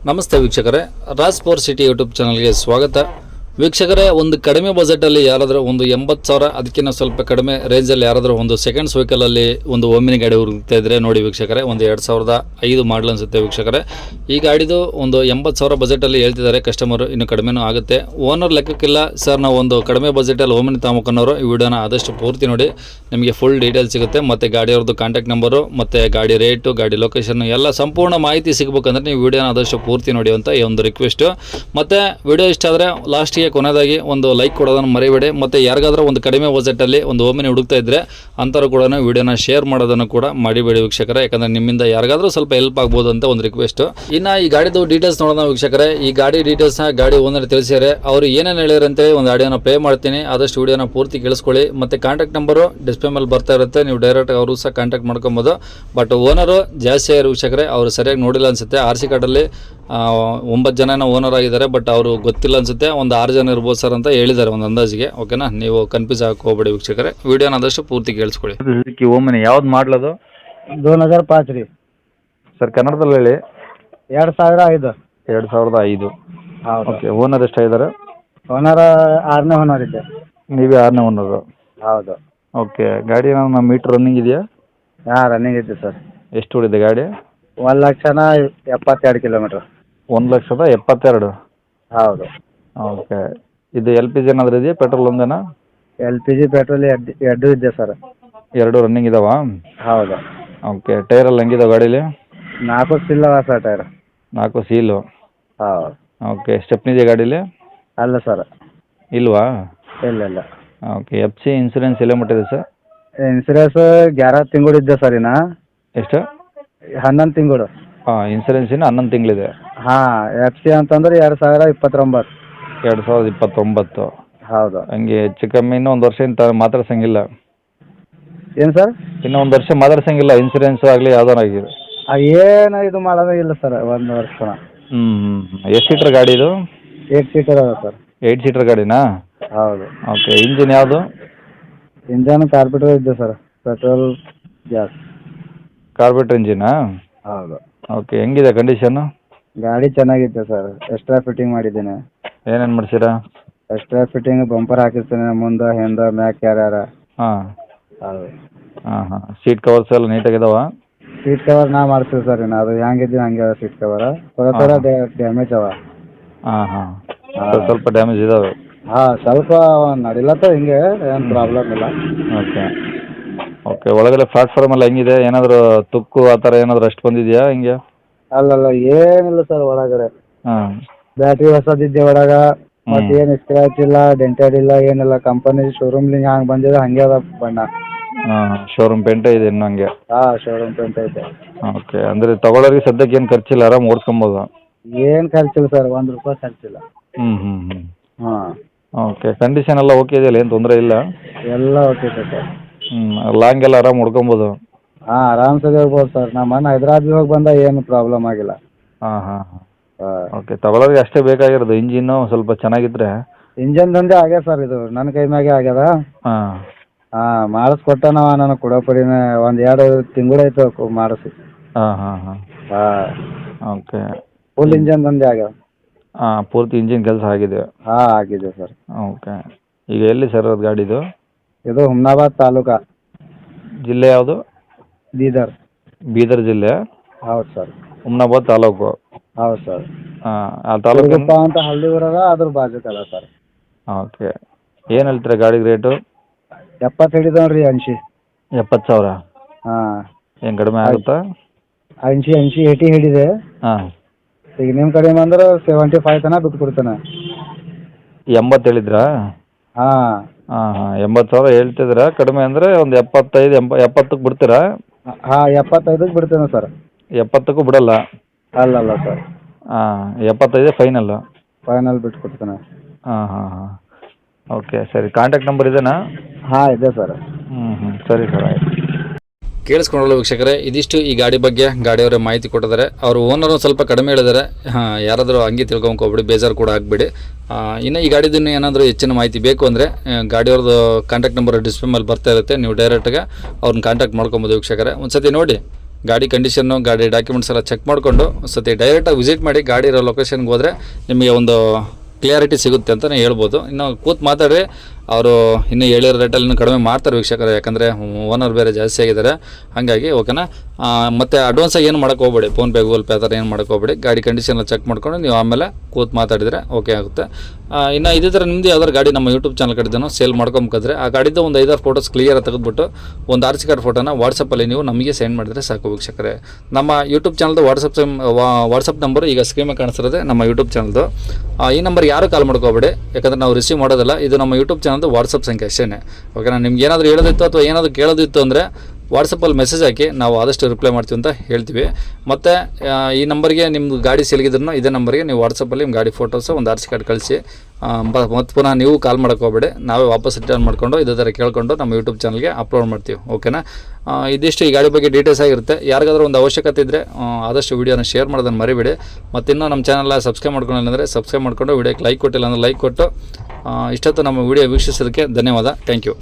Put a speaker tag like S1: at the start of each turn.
S1: ನಮಸ್ತೆ ವೀಕ್ಷಕರೇ, Raj power city YouTube ಚಾನಲ್ಗೆ ಸ್ವಾಗತ. ವೀಕ್ಷಕರೇ, ಒಂದು ಕಡಿಮೆ ಬಜೆಟಲ್ಲಿ ಯಾರಾದರೂ ಒಂದು 80,000 ಅದಕ್ಕಿಂತ ಸ್ವಲ್ಪ ಕಡಿಮೆ ರೇಂಜಲ್ಲಿ ಯಾರಾದರೂ ಒಂದು ಸೆಕೆಂಡ್ಸ್ ವೆಹಿಕಲಲ್ಲಿ ಒಂದು ಓಮಿನಿ ಗಾಡಿ ಹುಡುಕ್ತಾ ಇದ್ದರೆ ನೋಡಿ ವೀಕ್ಷಕರೇ, ಒಂದು 2005 ಮಾಡಲ್ ಅನಿಸುತ್ತೆ ವೀಕ್ಷಕರೇ. ಈ ಗಾಡಿದು ಒಂದು 80,000 ಬಜೆಟಲ್ಲಿ ಹೇಳ್ತಿದ್ದಾರೆ ಕಸ್ಟಮರು, ಇನ್ನು ಕಡಿಮೆನೂ ಆಗುತ್ತೆ. ಓನರ್ ಲೆಕ್ಕಕ್ಕಿಲ್ಲ ಸರ್, ನಾವು ಒಂದು ಕಡಿಮೆ ಬಜೆಟಲ್ಲಿ ಓಮಿನಿ ತಗೊಂಬನ್ನೋರು. ಈ ವಿಡಿಯೋನ ಆದಷ್ಟು ಪೂರ್ತಿ ನೋಡಿ, ನಿಮಗೆ ಫುಲ್ ಡೀಟೇಲ್ ಸಿಗುತ್ತೆ. ಮತ್ತು ಗಾಡಿಯವ್ರದ್ದು ಕಾಂಟ್ಯಾಕ್ಟ್ ನಂಬರು ಮತ್ತು ಗಾಡಿ ರೇಟು, ಗಾಡಿ ಲೊಕೇಶನ್ ಎಲ್ಲ ಸಂಪೂರ್ಣ ಮಾಹಿತಿ ಸಿಗಬೇಕಂದ್ರೆ ನೀವು ವಿಡಿಯೋನ ಆದಷ್ಟು ಪೂರ್ತಿ ನೋಡಿ ಅಂತ ಈ ಒಂದು ರಿಕ್ವೆಸ್ಟು. ಮತ್ತು ವಿಡಿಯೋ ಇಷ್ಟ ಆದರೆ ಲಾಸ್ಟಿಗೆ ಕೊನೆಯದಾಗಿ ಒಂದು ಲೈಕ್ ಕೊಡೋದನ್ನು ಮರಿಬೇಡಿ. ಮತ್ತು ಯಾರಿಗಾದ್ರೂ ಒಂದು ಕಡಿಮೆ ಬಜೆಟಲ್ಲಿ ಒಂದು ಓಮಿನಿ ಹುಡುಕ್ತಾ ಇದ್ದರೆ ಅಂಥವ್ರು ಕೂಡ ವಿಡಿಯೋನ ಶೇರ್ ಮಾಡೋದನ್ನು ಕೂಡ ಮಾಡಿಬೇಡಿ ವೀಕ್ಷಕರೇ, ಯಾಕಂದರೆ ನಿಮ್ಮಿಂದ ಯಾರಿಗಾದ್ರೂ ಸ್ವಲ್ಪ ಹೆಲ್ಪ್ ಆಗ್ಬೋದು ಅಂತ ಒಂದು ರಿಕ್ವೆಸ್ಟು. ಇನ್ನು ಈ ಗಾಡಿದು ಡೀಟೇಲ್ಸ್ ನೋಡೋಣ ವೀಕ್ಷಕರೇ. ಈ ಗಾಡಿ ಡೀಟೇಲ್ಸ್ನ ಗಾಡಿ ಓನರ್ ತಿಳಿಸಿದ್ದಾರೆ. ಅವರು ಏನೇನು ಹೇಳಿದ್ರು ಅಂತೇಳಿ ಒಂದು ಆಡಿಯೋನ ಪ್ಲೇ ಮಾಡ್ತೀನಿ, ಆದಷ್ಟು ವಿಡಿಯೋನ ಪೂರ್ತಿ ಕೇಳಿಸ್ಕೊಳ್ಳಿ. ಮತ್ತು ಕಾಂಟ್ಯಾಕ್ಟ್ ನಂಬರು ಡಿಸ್ಪ್ಲೇ ಮೇಲೆ ಬರ್ತಾ ಇರುತ್ತೆ, ನೀವು ಡೈರೆಕ್ಟ್ ಅವರು ಸಹ ಕಾಂಟ್ಯಾಕ್ಟ್ ಮಾಡ್ಕೊಬೋದು. ಬಟ್ ಓನರು ಜಾಸ್ತಿ ಆಗಿರೋ ವೀಕ್ಷಕರೇ, ಅವರು ಸರಿಯಾಗಿ ನೋಡಿಲ್ಲ ಅನಿಸುತ್ತೆ. RC ಕಾರ್ಡಲ್ಲಿ 9 ಜನ ಓನರ್ ಆಗಿದ್ದಾರೆ, ಬಟ್ ಅವರು ಗೊತ್ತಿಲ್ಲ ಅನಿಸುತ್ತೆ. ಒಂದು 6 ಜನ ಇರ್ಬೋದು ಸರ್ ಅಂತ ಹೇಳಿದ್ದಾರೆ ಒಂದು ಅಂದಾಜಿಗೆ. ಓಕೆನಾ, ನೀವು ಕನ್ಫ್ಯೂಸ್ ಹಾಕೋಬೇಡಿ ವೀಕ್ಷಕರೇ, ವಿಡಿಯೋನ ಆದಷ್ಟು ಪೂರ್ತಿ ಕೇಳಿಸ್ಕೊಳ್ಳಿ.
S2: ಸುಜುಕಿ ಓಮಿನಿ ಯಾವ್ದು ಮಾಡ್ಲದು?
S3: 2005 ರೀ
S2: ಸರ್ ಕನ್ನಡದಲ್ಲಿ ಹೇಳಿ.
S3: 2005.
S2: 2005.
S3: ಹೌದು.
S2: ಓಕೆ, ಓನರ್ ಎಷ್ಟಾಗಿದ್ದಾರೆ?
S3: ಓನರ್ 6ನೇ ಓನರ್ ಇದ್ದೆ.
S2: ನೀವೇ 6ನೇ ಓನರು?
S3: ಹೌದು.
S2: ಓಕೆ, ಗಾಡಿ ನಮ್ಮ ಮೀಟ್ರ್ ರನ್ನಿಂಗ್ ಇದೆಯಾ?
S3: ರನ್ನಿಂಗ್ ಇದ್ದೆ ಸರ್.
S2: ಎಷ್ಟು ಹೊಡಿದೆ ಗಾಡಿ?
S3: 1,72 ಕಿಲೋಮೀಟ್ರ್.
S2: 1,72,000?
S3: ಹೌದು.
S2: ಓಕೆ, ಇದು LPG ಏನಾದರೂ ಇದೆಯಾ, ಪೆಟ್ರೋಲ್ ಒಂದೇನಾ?
S3: LPG ಪೆಟ್ರೋಲ್ ಎರಡು ಇದ್ದೆ ಸರ್.
S2: 2 ರನ್ನಿಂಗ್ ಇದಾವ?
S3: ಹೌದು.
S2: ಓಕೆ, ಟೈರಲ್ಲಿ ಹೆಂಗಿದಾವೆ ಗಾಡೀಲಿ?
S3: 4 ಸಿಲ್ಲವ ಸರ್ ಟೈರ್.
S2: 4 ಸೀಲು?
S3: ಹೌದು.
S2: ಓಕೆ, ಸ್ಟೆಪ್ನಿ ಇದೆಯಾ ಗಾಡೀಲಿ?
S3: ಅಲ್ಲ ಸರ್.
S2: ಇಲ್ವಾ?
S3: ಇಲ್ಲ.
S2: ಓಕೆ, FC ಇನ್ಸೂರೆನ್ಸ್ ಎಲ್ಲ ಮುಟ್ಟಿದೆ ಸರ್?
S3: ಇನ್ಸೂರೆನ್ಸ್ 11 ತಿಂಗಳು ಇದ್ದೆ ಸರ್. ಇನ್ನು
S2: ಎಷ್ಟು?
S3: 11 ತಿಂಗಳು.
S2: ಇನ್ಸೂರೆನ್ಸ್ ಇನ್ನು 11 ತಿಂಗಳಿದೆ.
S3: FC ಅಂತಂದ್ರೆ 2029.
S2: 2029.
S3: ಹೌದು.
S2: ಹಂಗೆ ಹೆಚ್ಚು ಕಮ್ಮಿ ಇನ್ನೂ 1 ವರ್ಷ ಮಾತಾಡ್ಸಂಗಿಲ್ಲ?
S3: ಏನು ಸರ್?
S2: ಇನ್ನೂ 1 ವರ್ಷ ಮಾತಾಡ್ಸಂಗಿಲ್ಲ, ಇನ್ಸೂರೆನ್ಸ್ ಆಗಲಿ ಯಾವ್ದಾರು ಆಗಿದೆ?
S3: ಏನು ಇದು ಮಾಡೋದೇ ಇಲ್ಲ ಸರ್, 1 ವರ್ಷ.
S2: ಎಷ್ಟು ಸೀಟ್ರ್ ಗಾಡಿ ಇದು?
S3: 8 ಸೀಟರ್ ಅದ ಸರ್.
S2: 8 ಸೀಟ್ರ್ ಗಾಡಿನಾ?
S3: ಹೌದು.
S2: ಓಕೆ, ಇಂಜಿನ್ ಯಾವುದು?
S3: ಇಂಜನ್ ಕಾರ್ಪೆಟರ್ ಇದ್ದೆ ಸರ್, ಪೆಟ್ರೋಲ್ ಗ್ಯಾಸ್.
S2: ಕಾರ್ಬೇಟ್ರ್ ಇಂಜಿನಾ?
S3: ಹೌದು.
S2: ಓಕೆ, ಹೆಂಗಿದೆ ಕಂಡೀಷನ್ನು?
S3: ಗಾಡಿ ಚೆನ್ನಾಗಿತ್ತು ಸರ್. ಎಕ್ಸ್ಟ್ರಾ ಫಿಟ್ಟಿಂಗ್ ಮಾಡಿದ್ದೇನೆ.
S2: ಏನೇನು ಮಾಡಿಸಿರಾ?
S3: ಎಕ್ಸ್ಟ್ರಾ ಫಿಟ್ಟಿಂಗ್ ಬಂಪರ್ ಹಾಕಿರ್ತೇನೆ, ಮುಂದೆ ಹಿಂದೆ ಮ್ಯಾಕ್ ಕ್ಯಾರಿಯರ.
S2: ಹಾಂ.
S3: ಹೌದು.
S2: ಹಾಂ. ಸೀಟ್ ಕವರ್ಸ್ ಎಲ್ಲ ನೀಟಾಗಿದಾವ?
S3: ಸೀಟ್ ಕವರ್ ನಾ ಮಾಡ್ತೀವಿ ಸರ್. ಇನ್ನು ಅದು ಹೆಂಗಿದ್ದೀವಿ ಹಂಗೆ ಅದ ಸೀಟ್ ಕವರ್. ಥೋಡ ಡ್ಯಾಮೇಜ್ ಅವ.
S2: ಹಾಂ. ಸ್ವಲ್ಪ ಡ್ಯಾಮೇಜ್ ಇದಾವೆ?
S3: ಸ್ವಲ್ಪ ನಡಿಲತ್ತ, ಹಿಂಗೆ ಏನು ಪ್ರಾಬ್ಲಮ್ ಇಲ್ಲ.
S2: ಓಕೆ, ಒಳಗಡೆ ಪ್ಲಾಟ್ಫಾರ್ಮ್ ಎಲ್ಲ ಹೆಂಗಿದೆ? ಏನಾದರೂ ತುಕ್ಕು ಆ ಥರ ಏನಾದರೂ ಅಷ್ಟು ಬಂದಿದೆಯಾ ಹಿಂಗೆ?
S3: ಅಲ್ಲಲ್ಲ, ಏನಿಲ್ಲ ಸರ್ ಒಳಗಡೆ.
S2: ಹಾಂ.
S3: ಬ್ಯಾಟ್ರಿ ಹೊಸದಿದ್ದೆ ಒಳಗ. ಮತ್ತೆ ಏನು ಸ್ಕ್ರಾಚ್ ಇಲ್ಲ, ಡೆಂಟೆಡ್ ಇಲ್ಲ, ಏನಿಲ್ಲ. ಕಂಪನಿ ಶೋರೂಮ್ಲಿಂಗ್ ಹಂಗೆ ಬಂದಿದೆ ಹಂಗೆ ಅದ ಬಣ್ಣ.
S2: ಶೋರೂಮ್ ಪೇಂಟೇ ಇದೆ ಇನ್ನು ಹಂಗೆ?
S3: ಶೋರೂಮ್ ಪೇಂಟ್ ಐತೆ.
S2: ಓಕೆ, ಅಂದರೆ ತಗೊಳ್ಳೋರಿಗೆ ಸದ್ಯಕ್ಕೆ ಏನು ಖರ್ಚಿಲ್ಲ, ಆರಾಮ್ ಓಡಿಸ್ಕೊಬೋದು?
S3: ಏನು ಖರ್ಚಿಲ್ಲ ಸರ್, 1 ರೂಪಾಯಿ ಖರ್ಚಿಲ್ಲ. ಹಾಂ.
S2: ಓಕೆ, ಕಂಡೀಷನ್ ಎಲ್ಲ ಓಕೆ ಇದೆಯಲ್ಲ, ಏನು ತೊಂದರೆ ಇಲ್ಲ?
S3: ಎಲ್ಲ ಓಕೆ ಸರ್.
S2: ಲಾಂಗ್ ಎಲ್ಲ ಆರಾಮ್ ಹೊಡ್ಕೊಬೋದು?
S3: ಆರಾಮ್ಸೆ ಹೋಗ್ಬೋದು ಸರ್. ನಮ್ಮ ಅಣ್ಣ ಹೈದ್ರಾಬಾದ್ ಹೋಗಿ ಬಂದ, ಏನು ಪ್ರಾಬ್ಲಮ್ ಆಗಿಲ್ಲ.
S2: ಓಕೆ, ತಗೊಳ್ಳೋರಿಗೆ ಅಷ್ಟೇ ಬೇಕಾಗಿರೋದು, ಇಂಜಿನ್ನು ಸ್ವಲ್ಪ ಚೆನ್ನಾಗಿದ್ರೆ.
S3: ಇಂಜನ್ ದಂಧೆ ಆಗ್ಯದ ಸರ್, ಇದು ನನ್ನ ಕೈ ಮ್ಯಾಗೆ ಆಗ್ಯದ. ಮಾಡಿಸ್ಕೊಟ್ಟ ನಾವು, ನನಗೆ ಕೊಡೋಪಡಿನ 1-2 ತಿಂಗಳಾಯ್ತು ಮಾಡಿಸಿ.
S2: ಓಕೆ,
S3: ಫುಲ್ ಇಂಜನ್ ದಂಧೆ ಆಗ್ಯದ.
S2: ಪೂರ್ತಿ ಇಂಜಿನ್ ಕೆಲಸ ಆಗಿದೆ?
S3: ಆಗಿದೆ ಸರ್.
S2: ಓಕೆ, ಈಗ ಎಲ್ಲಿ ಸರ್ ಅದು ಗಾಡಿದು?
S3: ಇದು ಹುಮ್ನಾಬಾದ್ ತಾಲೂಕಾ.
S2: ಜಿಲ್ಲೆ ಯಾವುದು?
S3: ಬೀದರ್
S2: ಜಿಲ್ಲೆ?
S3: ಹೌದು ಸರ್.
S2: ಹುಮ್ನಾಬಾದ್ ತಾಲೂಕು?
S3: ಹೌದು ಸರ್.
S2: ಆ ತಾಲೂಕು
S3: ಅಂತ ಹಳ್ಳಿ ಊರದ, ಅದ್ರ ಬಾಜುಕಲ್ಲ ಸರ್.
S2: ಓಕೆ, ಏನು ಹೇಳ್ತೀರಾ ಗಾಡಿಗೆ ರೇಟು?
S3: 70 ಹಿಡಿದವ್ರಿ. 80.
S2: 70,000? ಏನು ಕಡಿಮೆ ಆಗುತ್ತಾ?
S3: 80 ಹಿಡಿದೆ. ಈಗ ನಿಮ್ಮ ಕಡೆ ಬಂದ್ರೆ 75 ತನಕ ಬಿಟ್ಟು ಕೊಡ್ತೇನೆ.
S2: 80 ಹೇಳಿದ್ರಾ? 80,000 ಹೇಳ್ತಿದ್ದೀರಾ. ಕಡಿಮೆ ಅಂದರೆ ಒಂದು 70ಕ್ಕೆ ಬಿಡ್ತೀರಾ?
S3: 75ಕ್ಕೆ ಬಿಡ್ತೇನೆ ಸರ್.
S2: 70ಕ್ಕೂ ಬಿಡಲ್ಲ?
S3: ಅಲ್ಲಲ್ಲ ಸರ್.
S2: 75 ಫೈನಲ್
S3: ಬಿಟ್ಟು ಕೊಡ್ತೇನೆ.
S2: ಓಕೆ, ಸರಿ. ಕಾಂಟ್ಯಾಕ್ಟ್ ನಂಬರ್ ಇದೆನಾ?
S3: ಇದೆ ಸರ್.
S2: ಸರಿ ಸರ್, ಆಯ್ತು.
S1: ಕೇಳಿಸ್ಕೊಂಡಲ್ಲ ವೀಕ್ಷಕರೇ, ಇದಿಷ್ಟು ಈ ಗಾಡಿ ಬಗ್ಗೆ ಗಾಡಿಯವರೇ ಮಾಹಿತಿ ಕೊಟ್ಟಿದ್ದಾರೆ. ಅವರು ಓನರು ಸ್ವಲ್ಪ ಕಡಿಮೆ ಹೇಳಿದ್ದಾರೆ. ಯಾರಾದರೂ ಹಂಗೆ ತಿಳ್ಕೊಂಬೋಗ್ಬಿಡಿ, ಬೇಜಾರು ಕೂಡ ಆಗಬೇಡಿ. ಇನ್ನು ಈ ಗಾಡಿದನ್ನು ಏನಾದರೂ ಹೆಚ್ಚಿನ ಮಾಹಿತಿ ಬೇಕು ಅಂದರೆ ಗಾಡಿಯವ್ರದ್ದು ಕಾಂಟ್ಯಾಕ್ಟ್ ನಂಬರ್ ಡಿಸ್ಪ್ಲೇ ಮೇಲೆ ಬರ್ತಾ ಇರುತ್ತೆ, ನೀವು ಡೈರೆಕ್ಟಾಗಿ ಅವ್ರನ್ನ ಕಾಂಟ್ಯಾಕ್ಟ್ ಮಾಡ್ಕೊಬೋದು ವೀಕ್ಷಕರೇ. ಒಂದು ಸತಿ ನೋಡಿ ಗಾಡಿ ಕಂಡೀಷನ್ನು ಗಾಡಿ ಡಾಕ್ಯುಮೆಂಟ್ಸ್ ಎಲ್ಲ ಚೆಕ್ ಮಾಡಿಕೊಂಡು ಸತಿ ಡೈರೆಕ್ಟಾಗಿ ವಿಸಿಟ್ ಮಾಡಿ ಗಾಡಿ ಇರೋ ಲೊಕೇಶನ್ಗೆ ಹೋದರೆ ನಿಮಗೆ ಒಂದು ಕ್ಲಿಯಾರಿಟಿ ಸಿಗುತ್ತೆ ಅಂತಲೇ ಹೇಳ್ಬೋದು. ಇನ್ನು ಕೂತು ಮಾತಾಡಿ ಅವರು ಇನ್ನೂ ಹೇಳಿರೋ ರೇಟಲ್ಲಿ ಇನ್ನೂ ಕಡಿಮೆ ಮಾಡ್ತಾರೆ ವೀಕ್ಷಕರು, ಯಾಕಂದರೆ ಓನರ್ ಬೇರೆ ಜಾಸ್ತಿ ಆಗಿದ್ದಾರೆ. ಹಾಗಾಗಿ ಓಕೆನಾ. ಮತ್ತು ಅಡ್ವಾನ್ಸಾಗಿ ಏನು ಮಾಡೋಕ್ಕೆ ಹೋಗ್ಬೇಡಿ, ಫೋನ್ಪೇ ಗೂಗಲ್ ಪೇ ಆ ಥರ ಏನು ಮಾಡೋಕ್ಕೆ ಹೋಗ್ಬೇಡಿ. ಗಾಡಿ ಕಂಡೀಷನ್ ಚೆಕ್ ಮಾಡ್ಕೊಂಡು ನೀವು ಆಮೇಲೆ ಕೂತು ಮಾತಾಡಿದರೆ ಓಕೆ ಆಗುತ್ತೆ. ಇನ್ನು ಇದೇ ಥರ ನಿಮ್ಮದು ಯಾವ್ದಾರು ಗಾಡಿ ನಮ್ಮ ಯೂಟ್ಯೂಬ್ ಚಾನಲ್ ಕಡೆದೂ ಸೇಲ್ ಮಾಡ್ಕೊಂಬೇಕಾದ್ರೆ ಆ ಗಾಡಿದ್ದು ಒಂದು 5-6 ಫೋಟೋಸ್ ಕ್ಲಿಯರ್ ತೆಗೆದುಬಿಟ್ಟು ಒಂದು RC ಕಾರ್ಡ್ ಫೋಟೋನ ವಾಟ್ಸಪ್ಪಲ್ಲಿ ನೀವು ನಮಗೆ ಸೆಂಡ್ ಮಾಡಿದರೆ ಸಾಕು ವೀಕ್ಷಕರೇ. ನಮ್ಮ ಯೂಟ್ಯೂಬ್ ಚಾನಲ್ದು ವಾಟ್ಸಪ್ ನಂಬರು ಈಗ ಸ್ಕ್ರೀನ್ ಮೇಲೆ ಕಾಣಿಸ್ತಿರೋದೆ ನಮ್ಮ ಯೂಟ್ಯೂಬ್ ಚಾನಲ್ದು. ಈ ನಂಬರ್ ಯಾರು ಕಾಲ್ ಮಾಡ್ಕೋಬೇಡಿ, ಯಾಕಂದರೆ ನಾವು ರಿಸೀವ್ ಮಾಡೋದಿಲ್ಲ. ಇದು ನಮ್ಮ ಯೂಟ್ಯೂಬ್ ಚಾನಲ್ದು ವಾಟ್ಸಪ್ ಸಂಖ್ಯೆ ಅಷ್ಟೇ. ಓಕೆನಾ. ನಿಮ್ಗೆ ಏನಾದರೂ ಹೇಳೋದಿತ್ತು ಅಥವಾ ಏನಾದರೂ ಕೇಳೋದಿತ್ತು ಅಂದರೆ ವಾಟ್ಸಪ್ಪಲ್ಲಿ ಮೆಸೇಜ್ ಹಾಕಿ, ನಾವು ಆದಷ್ಟು ರಿಪ್ಲೈ ಮಾಡ್ತೀವಿ ಅಂತ ಹೇಳ್ತೀವಿ. ಮತ್ತು ಈ ನಂಬರ್ಗೆ ನಿಮ್ಮದು ಗಾಡಿ ಸೇಲ್ಗಿದ್ರು ಇದೇ ನಂಬರ್ಗೆ ನೀವು ವಾಟ್ಸಪ್ಪಲ್ಲಿ ನಿಮ್ಮ ಗಾಡಿ ಫೋಟೋಸು ಒಂದು RC ಕಾರ್ಡ್ ಕಳಿಸಿ. ಮತ್ತು ಪುನಃ ನೀವು ಕಾಲ್ ಮಾಡೋಕ್ಕೆ ಹೋಗ್ಬೇಡಿ, ನಾವೇ ವಾಪಸ್ ರಿಟರ್ನ್ ಮಾಡಿಕೊಂಡು ಇದೇ ಥರ ಕೇಳಿಕೊಂಡು ನಮ್ಮ ಯೂಟ್ಯೂಬ್ ಚಾನಲ್ಗೆ ಅಪ್ಲೋಡ್ ಮಾಡ್ತೀವಿ. ಓಕೆನಾ. ಇದಿಷ್ಟು ಈ ಗಾಡಿ ಬಗ್ಗೆ ಡೀಟೇಲ್ಸ್ ಆಗಿರುತ್ತೆ. ಯಾರಿಗಾದ್ರೂ ಒಂದು ಅವಶ್ಯಕತೆ ಇದ್ದರೆ ಆದಷ್ಟು ವೀಡಿಯೋನ ಶೇರ್ ಮಾಡೋದನ್ನು ಮರಿಬೇಡಿ. ಮತ್ತು ಇನ್ನೂ ನಮ್ಮ ಚಾನಲ್ ಸಬ್ಸ್ಕ್ರೈಬ್ ಮಾಡ್ಕೊಂಡಿಲ್ಲ ಅಂದರೆ ಸಬ್ಸ್ಕ್ರೈಬ್ ಮಾಡಿಕೊಂಡು, ವೀಡಿಯೋಕ್ಕೆ ಲೈಕ್ ಕೊಟ್ಟಿಲ್ಲ ಅಂದರೆ ಲೈಕ್ ಕೊಟ್ಟು ಇಷ್ಟೊತ್ತು ನಮ್ಮ ವೀಡಿಯೋ ವೀಕ್ಷಿಸೋದಕ್ಕೆ ಧನ್ಯವಾದ. Thank you.